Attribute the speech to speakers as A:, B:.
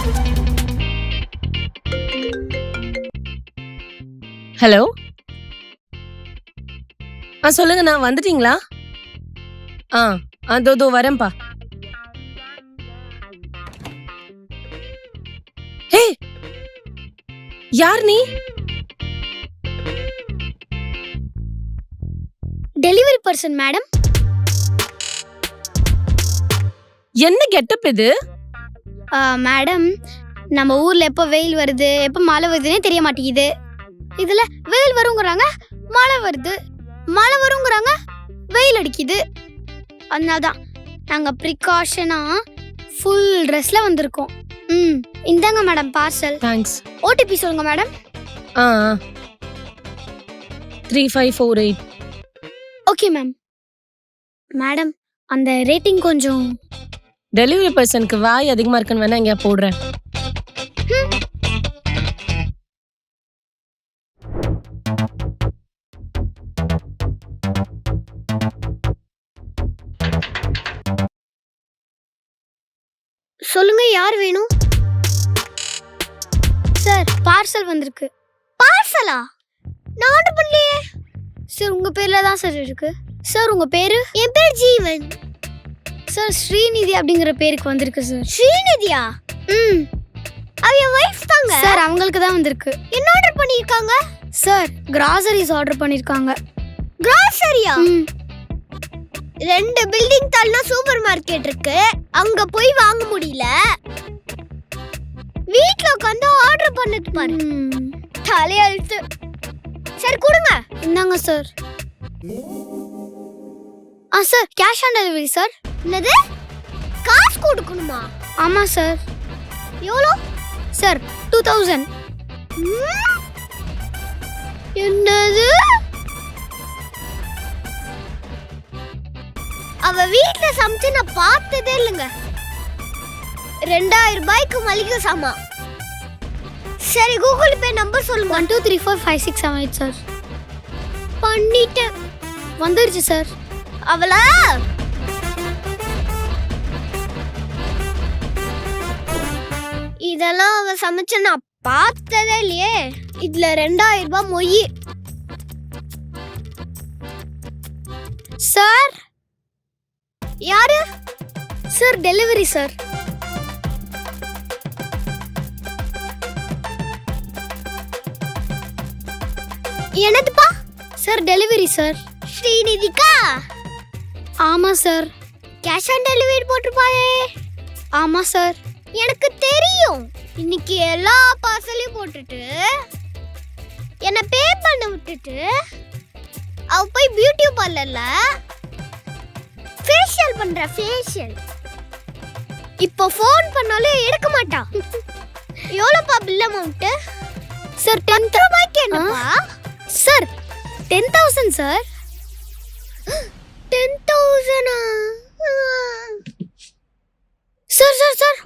A: Hello. சொல்லுங்க, நான் வந்துட்டீங்களா? தோ வரேன்ப்பா. ஹே, யார் நீ?
B: Delivery person madam.
A: என்ன கெட்டப் இது?
B: மேடம், நம்ம ஊர்ல எப்போ வெயில் வருது எப்போ மழை வருதுன்னே தெரிய மாட்டேங்குது. இதுல வெயில் வருங்கிறாங்க, மழை வருது, மழை வருங்கிறாங்க, வெயில் அடிக்குது. அதனால்தான் நாங்க ப்ரிகாஷனா ஃபுல் ட்ரெஸ்ல வந்திருக்கோம். இந்தாங்க மேடம் பார்சல்.
A: தேங்க்ஸ்.
B: ஓடிபி சொல்லுங்க மேடம்.
A: 3548.
B: Okay ma'am. மேடம், அந்த ரேட்டிங் கொஞ்சம்.
A: டெலிவரி பர்சனுக்கு வாய் அதிகமா இருக்குன்னு வேணா இங்க போடுறேன்.
B: சொல்லுங்க, யார் வேணும்? சார், பார்சல் வந்திருக்கு. பார்சலா? நான் ஆர்டர் பண்ணலையே சார். உங்க பேர்ல தான் சார் இருக்கு. சார், உங்க பேரு? என் பேர் ஜீவன் சார். ஸ்ரீநிதி அப்படிங்கிற பேருக்கு வந்திருக்கு சார். ஸ்ரீநிதியா? அவ என் வைஃப் தாங்க சார். அவங்களுக்கு தான் வந்திருக்கு. என்ன ஆர்டர் பண்ணிருக்காங்க சார்? கிராசரிஸ் ஆர்டர் பண்ணிருக்காங்க. கிராசரியா? 2 பில்டிங் தள்ளனா சூப்பர் மார்க்கெட் இருக்கு, அங்க போய் வாங்க முடியல. வீட்ல உட்கார்ந்து ஆர்டர் பண்ணது பாரு. தலையெழுத்து. சரி கொடுங்க. இந்தாங்க sir. Sir, cash on delivery sir. என்னது? காசு கொடுக்கணுமா? ஆமா சார். எவ்வளோ சார்? 2000. என்னது? அவ வீட்ல சமைச்சு நான் பார்த்ததே இல்லைங்க. 2000 ரூபாய்க்கு மளிகை சாமான். சரி, கூகுள் பே நம்பர் சொல்லுங்க. 12345678 சார். பண்ணிட்டேன். வந்துருச்சு சார். அவளா? இதெல்லாம் அவ சமைச்ச நான் பார்த்ததே இல்லையே. இதுல 2000 ரூபாய் மொய். சார், யாரு சார்? Delivery sir. என்னதுப்பா? Sir, delivery sir. ஸ்ரீநிதிக்கா? ஆமா சார். கேஷ் ஆன் டெலிவரி போட்டுருப்பாயே. ஆமா சார். எனக்கு தெரியும். இன்னைக்கு எல்லா பார்சலையும் போட்டுட்டு என்ன பே பண்ண விட்டுட்டு அவ போய் பியூட்டி பார்லர்ல ஃபேஷியல் பண்ற. ஃபேஷியல் இப்போ ஃபோன் பண்ணாலே எடுக்க மாட்டா. எவ்வளோப்பா பில் அமௌண்ட்? சார், 10 ரூபாய்க்கு. என்னப்பா sir? 10,000 sir. 10,000 sir. Sir sir sir